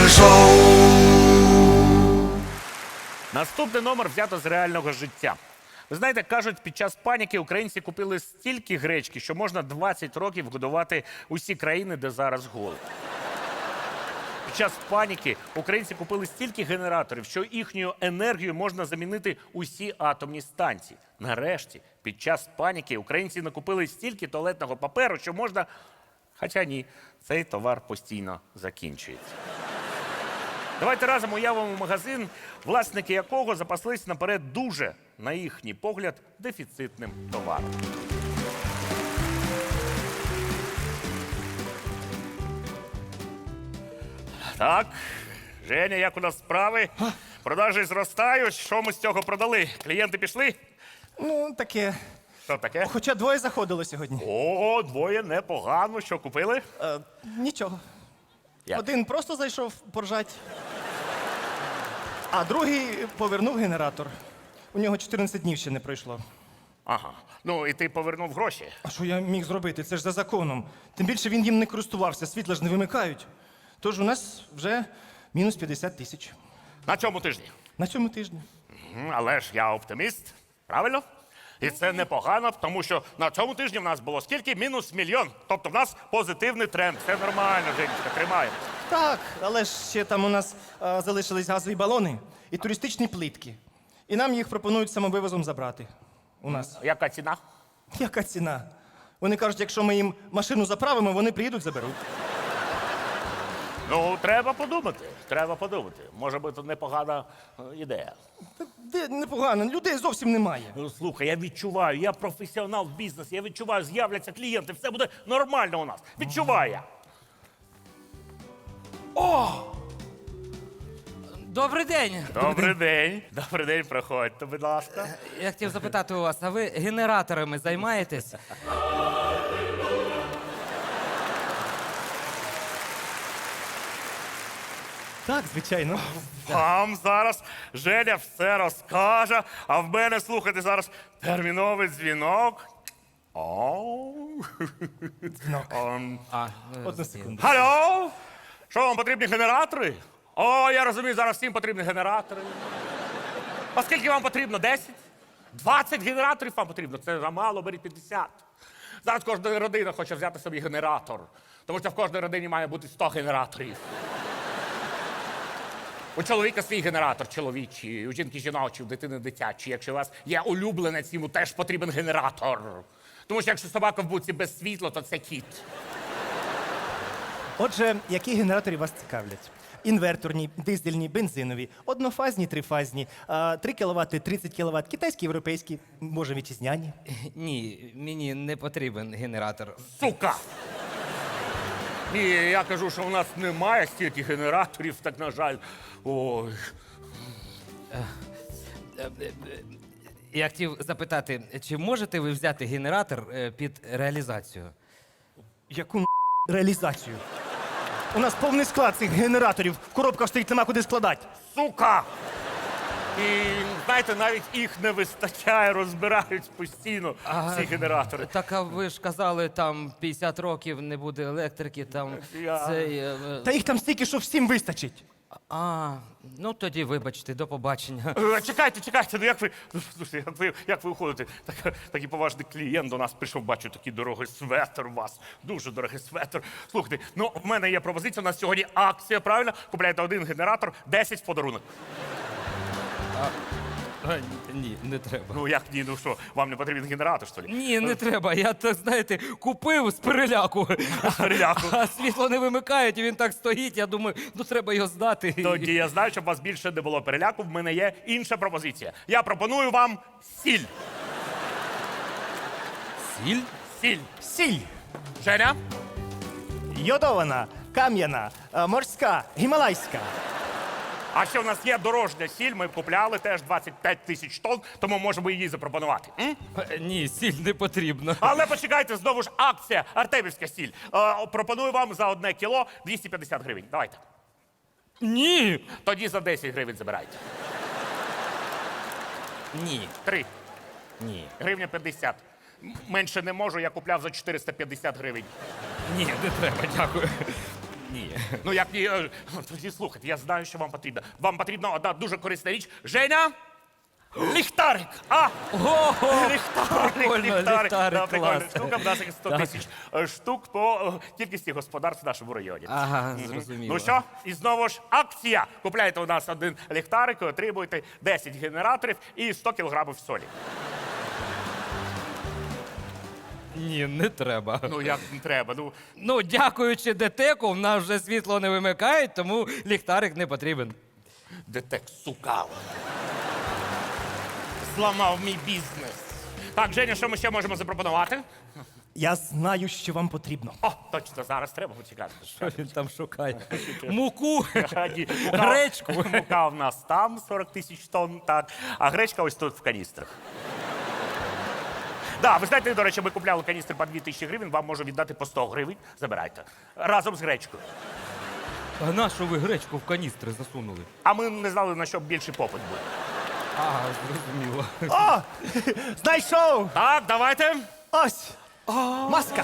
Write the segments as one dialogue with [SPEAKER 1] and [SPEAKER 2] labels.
[SPEAKER 1] Наступний номер взято з реального життя. Ви знаєте, кажуть, під час паніки українці купили стільки гречки, що можна 20 років годувати усі країни, де зараз голод. Під час паніки українці купили стільки генераторів, що їхньою енергією можна замінити усі атомні станції. Нарешті, під час паніки українці накупили стільки туалетного паперу, що можна... Хоча ні, цей товар постійно закінчується. Давайте разом уявимо магазин, власники якого запаслись наперед дуже, на їхній погляд, дефіцитним товаром. Так, Женя, як у нас справи? Продажі зростають. Що ми з цього продали? Клієнти пішли?
[SPEAKER 2] Ну, таке.
[SPEAKER 1] Що таке?
[SPEAKER 2] Хоча двоє заходило сьогодні.
[SPEAKER 1] О, двоє непогано. Що купили?
[SPEAKER 2] Нічого.
[SPEAKER 1] Як?
[SPEAKER 2] Один просто зайшов поржать, а другий повернув генератор. У нього 14 днів ще не пройшло.
[SPEAKER 1] Ага. Ну, і ти повернув гроші.
[SPEAKER 2] А що я міг зробити? Це ж за законом. Тим більше він їм не користувався, світла ж не вимикають. Тож у нас вже мінус 50 тисяч.
[SPEAKER 1] На цьому тижні.
[SPEAKER 2] На цьому тижні.
[SPEAKER 1] Але ж я оптиміст, правильно? І це непогано, тому що на цьому тижні в нас було скільки? Мінус 1 мільйон. Тобто в нас позитивний тренд. Все нормально, Женечка, тримаємо.
[SPEAKER 2] Так, але ж ще там у нас залишились газові балони і туристичні плитки. І нам їх пропонують самовивозом забрати. У нас.
[SPEAKER 1] Яка ціна?
[SPEAKER 2] Яка ціна? Вони кажуть, якщо ми їм машину заправимо, вони приїдуть, заберуть.
[SPEAKER 1] Ну, треба подумати. Треба подумати. Може бути непогана ідея.
[SPEAKER 2] Де непогано, людей зовсім немає.
[SPEAKER 1] Ну, слухай, я відчуваю, я професіонал в бізнесі, я відчуваю, з'являться клієнти, все буде нормально у нас. Відчуваю я.
[SPEAKER 3] Добрий день.
[SPEAKER 1] Добрий день. Добрий день, проходьте, будь ласка.
[SPEAKER 3] Я хотів запитати у вас, а ви генераторами займаєтесь?
[SPEAKER 2] Так, звичайно.
[SPEAKER 1] Вам зараз Женя все розкаже, а в мене, слухайте, зараз терміновий дзвінок.
[SPEAKER 2] Дзвінок. Одну секунду.
[SPEAKER 1] Алло! Що, вам потрібні генератори? О, я розумію, зараз всім потрібні генератори. А скільки вам потрібно? 10? 20 генераторів вам потрібно? Це замало, беріть 50. Зараз кожна родина хоче взяти собі генератор. Тому що в кожній родині має бути 100 генераторів. У чоловіка свій генератор чоловічий, у жінки жіночий, у дитини дитячий. Якщо у вас є улюбленець, йому теж потрібен генератор. Тому що якщо собака в будці без світла, то це кіт.
[SPEAKER 2] Отже, які генератори вас цікавлять? Інверторні, дизельні, бензинові, однофазні, трифазні, 3 кВт, 30 кВт, китайські, європейські, може, вітчизняні.
[SPEAKER 3] Ні, мені не потрібен генератор.
[SPEAKER 1] Сука! Ні, я кажу, що у нас немає стільки генераторів, так, на жаль. Ой.
[SPEAKER 3] Я хотів запитати, чи можете ви взяти генератор під реалізацію?
[SPEAKER 2] Яку реалізацію? У нас повний склад цих генераторів, в коробках стоїть, нема куди складати.
[SPEAKER 1] Сука! І, знаєте, навіть їх не вистачає, розбирають постійно ці генератори.
[SPEAKER 3] Так, а ви ж казали, там 50 років не буде електрики, там цей...
[SPEAKER 2] Та їх там стільки, що всім вистачить.
[SPEAKER 3] Ну тоді вибачте, до побачення.
[SPEAKER 1] Чекайте, ну як ви, ну, слушайте, як ви уходите? Такий поважний клієнт до нас прийшов, бачу, такий дорогий светр у вас, дуже дорогий светр. Слухайте, ну в мене є пропозиція, у нас сьогодні акція, правильно? Купляєте один генератор, 10 в подарунок.
[SPEAKER 3] Ні, не треба.
[SPEAKER 1] Ну як ні, ну що, вам не потрібен генератор, що ли?
[SPEAKER 3] Ні, не треба. Я, так, знаєте, купив з переляку.
[SPEAKER 1] Переляку.
[SPEAKER 3] А світло не вимикають, і він так стоїть. Я думаю, ну треба його здати.
[SPEAKER 1] Тоді я знаю, щоб у вас більше не було переляку, в мене є інша пропозиція. Я пропоную вам сіль.
[SPEAKER 3] Сіль?
[SPEAKER 1] Сіль.
[SPEAKER 2] Сіль.
[SPEAKER 1] Женя?
[SPEAKER 2] Йодована, кам'яна, морська, гімалайська.
[SPEAKER 1] А ще в нас є дорожня сіль, ми купляли теж 25 тисяч тонн, тому можемо її запропонувати.
[SPEAKER 3] Ні, сіль не потрібно.
[SPEAKER 1] Але почекайте, знову ж акція, Артемівська сіль. Пропоную вам за 1 кіло 250 гривень. Давайте.
[SPEAKER 3] Ні.
[SPEAKER 1] Тоді за 10 гривень забирайте.
[SPEAKER 3] Ні.
[SPEAKER 1] 3.
[SPEAKER 3] Ні.
[SPEAKER 1] Гривня 50. Менше не можу, я купляв за 450 гривень.
[SPEAKER 3] Ні, не треба, дякую. Ні.
[SPEAKER 1] Ну як ні, тоді слухайте, я знаю, що вам потрібно. Вам потрібна одна дуже корисна річ. Женя! Ліхтарик!
[SPEAKER 3] Ого!
[SPEAKER 1] Ліхтарик! Да, прикольна
[SPEAKER 3] клас.
[SPEAKER 1] штука, в нас їх 100 тисяч штук по кількості господарств в нашому районі.
[SPEAKER 3] Ага, зрозуміло.
[SPEAKER 1] Ну що, і знову ж акція. Купляєте у нас один ліхтарик і отримуєте 10 генераторів і 100 кілограмів солі.
[SPEAKER 3] Ні, не треба.
[SPEAKER 1] Ну як не треба, ну...
[SPEAKER 3] Ну, дякуючи ДТЕКу, в нас вже світло не вимикають, тому ліхтарик не потрібен.
[SPEAKER 1] Детек, сука. Зламав мій бізнес. Так, Женя, що ми ще можемо запропонувати?
[SPEAKER 2] Я знаю, що вам потрібно.
[SPEAKER 1] О, точно, зараз треба почекати.
[SPEAKER 3] Що він там шукає? Муку,
[SPEAKER 1] Ні,
[SPEAKER 3] гречку.
[SPEAKER 1] Мука в нас там 40 тисяч тонн, так. А гречка ось тут в каністрах. Да, ви знаєте, до речі, ми купляли каністри по 2000 гривень, вам можу віддати по 100 гривень. Забирайте. Разом з гречкою.
[SPEAKER 3] А на що ви гречку в каністри засунули?
[SPEAKER 1] А ми не знали, на що більший попит буде.
[SPEAKER 3] А, зрозуміло.
[SPEAKER 2] О! Знайшов!
[SPEAKER 1] Так, давайте.
[SPEAKER 2] Ось! Маска!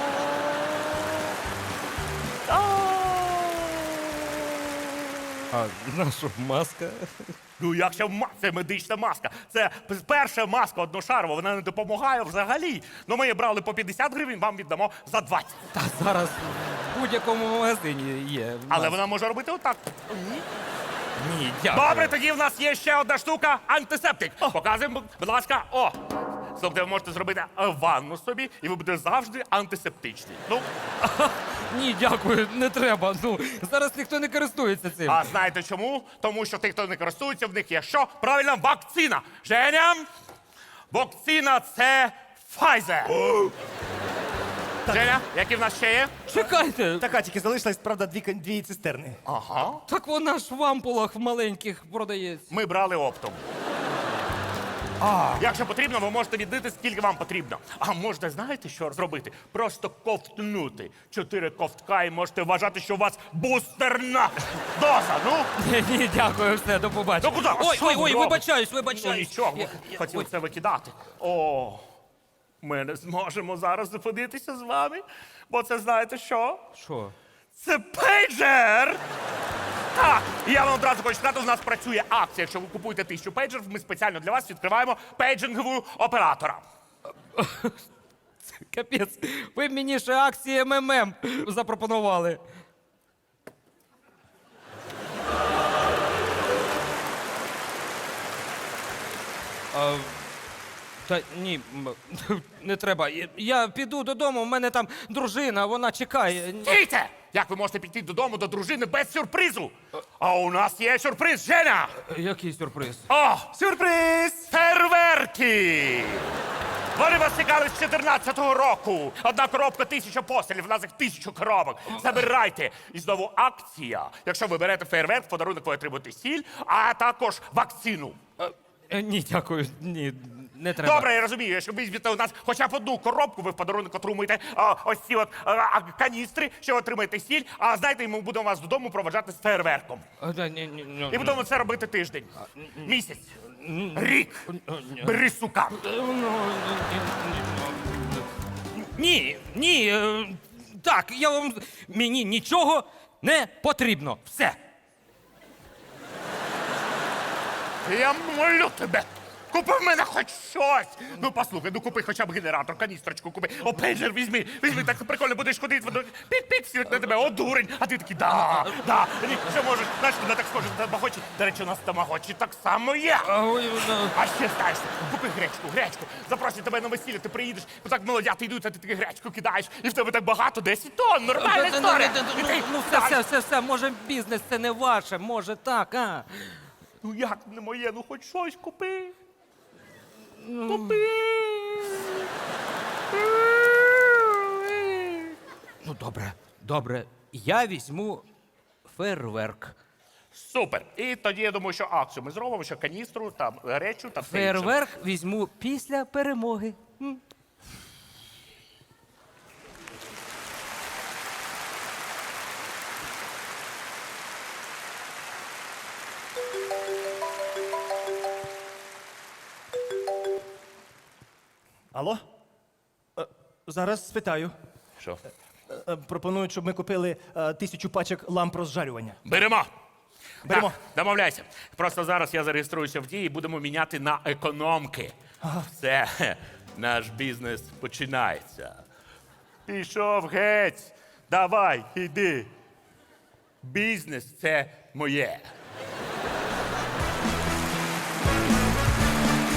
[SPEAKER 3] А на що маска?
[SPEAKER 1] Ну, якщо це медична маска. Це перша маска одношарова, вона не допомагає взагалі. Ну, ми її брали по 50 гривень, вам віддамо за 20.
[SPEAKER 3] Та зараз в будь-якому магазині є.
[SPEAKER 1] Але вона може робити отак.
[SPEAKER 3] Ні, дякую.
[SPEAKER 1] Добре, тоді в нас є ще одна штука антисептик. Показуємо, будь ласка, о! Тобто ви можете зробити ванну собі, і ви будете завжди антисептичні. Ну,
[SPEAKER 3] Ні, дякую, не треба. Ну, зараз ніхто не користується цим.
[SPEAKER 1] а знаєте чому? Тому що тих, хто не користується, в них є що? Правильно, вакцина. Женя, вакцина – це Pfizer. Женя, які в нас ще є?
[SPEAKER 3] Чекайте,
[SPEAKER 2] Така тільки залишилась, правда, дві цистерни.
[SPEAKER 1] Ага.
[SPEAKER 3] так вона ж в ампулах маленьких продається.
[SPEAKER 1] Ми брали оптом. Якщо потрібно, ви можете віддати, скільки вам потрібно. А можете, знаєте, що зробити? Просто ковтнути 4 ковтка і можете вважати, що у вас бустерна доза. Ну,
[SPEAKER 3] Ні, дякую, все, до побачення.
[SPEAKER 1] Ну, куди? А
[SPEAKER 3] Ой,
[SPEAKER 1] що
[SPEAKER 3] ой,
[SPEAKER 1] ви
[SPEAKER 3] ой,
[SPEAKER 1] робите?
[SPEAKER 3] вибачаюсь,
[SPEAKER 1] ну
[SPEAKER 3] вибачаюсь.
[SPEAKER 1] нічого, ми
[SPEAKER 3] Я-
[SPEAKER 1] хотіли
[SPEAKER 3] ой.
[SPEAKER 1] це викидати. О, ми не зможемо зараз зупинитися з вами, бо це знаєте що?
[SPEAKER 3] Що?
[SPEAKER 1] Це пейджер! Так, і я вам одразу хочу сказати, у нас працює акція. Якщо ви купуєте 1000 пейджерів, ми спеціально для вас відкриваємо пейджингового оператора.
[SPEAKER 3] Капець, ви мені ще акції МММ запропонували. Та ні, не треба. Я піду додому, в мене там дружина, вона чекає.
[SPEAKER 1] Стійте! Як ви можете піти додому до дружини без сюрпризу? А у нас є сюрприз, Женя!
[SPEAKER 3] Який сюрприз?
[SPEAKER 1] О,
[SPEAKER 2] Сюрприз!
[SPEAKER 1] фейерверки! Вони вас чекали з 14-го року. Одна коробка 1000 пострілів, в нас їх 1000 коробок. Забирайте. І знову акція. Якщо ви берете фейерверк, в подарунок ви отримуєте сіль, а також вакцину.
[SPEAKER 3] Ні, дякую, ні, не треба.
[SPEAKER 1] Добре, я розумію, якщо ви візьмете у нас хоча б одну коробку, ви в подарунок отримуєте ось ці от каністри, що отримаєте сіль, а знаєте, ми будемо вас додому проведжати з фейерверком. І будемо це робити тиждень, місяць, рік. Бери, сука.
[SPEAKER 3] Ні, ні, так, мені нічого не потрібно. Все.
[SPEAKER 1] Я молю тебе. Купи в мене хоч щось. Ну послухай, ну купи хоча б генератор, каністрочку купи. О, пейджер візьми, так прикольно будеш ходити, пік-пік всі на тебе, о, дурень. А ти такий, да, ні, що можеш, знаєш, вона так схоже на тамагочі. До речі, у нас тамагочі так само є. А ще знаєш, купи гречку. Запросять тебе на весілля, ти приїдеш, так молодята йдуть, а ти таки гречку кидаєш, і в тебе так багато, 10 тонн, нормальна історія. І ти
[SPEAKER 3] Ну, все, може бізнес це не ваше, може так, а?
[SPEAKER 1] Ну як не моє, ну хоч щось купи. Купи.
[SPEAKER 3] Ну, добре. Я візьму фейерверк.
[SPEAKER 1] Супер. І тоді я думаю, що акцію ми зробимо, що каністру, там, речу та все інше.
[SPEAKER 3] Фейерверк візьму після перемоги.
[SPEAKER 2] Алло? Зараз спитаю.
[SPEAKER 1] Що?
[SPEAKER 2] пропонують, щоб ми купили 1000 пачок ламп розжарювання.
[SPEAKER 1] Беремо.
[SPEAKER 2] Беремо.
[SPEAKER 1] Так, домовляйся. Просто зараз я зареєструюся в дії і будемо міняти на економки. Все, наш бізнес починається. Пішов геть. Давай, іди. Бізнес це моє.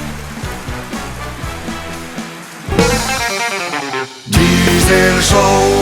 [SPEAKER 4] Diesel Show.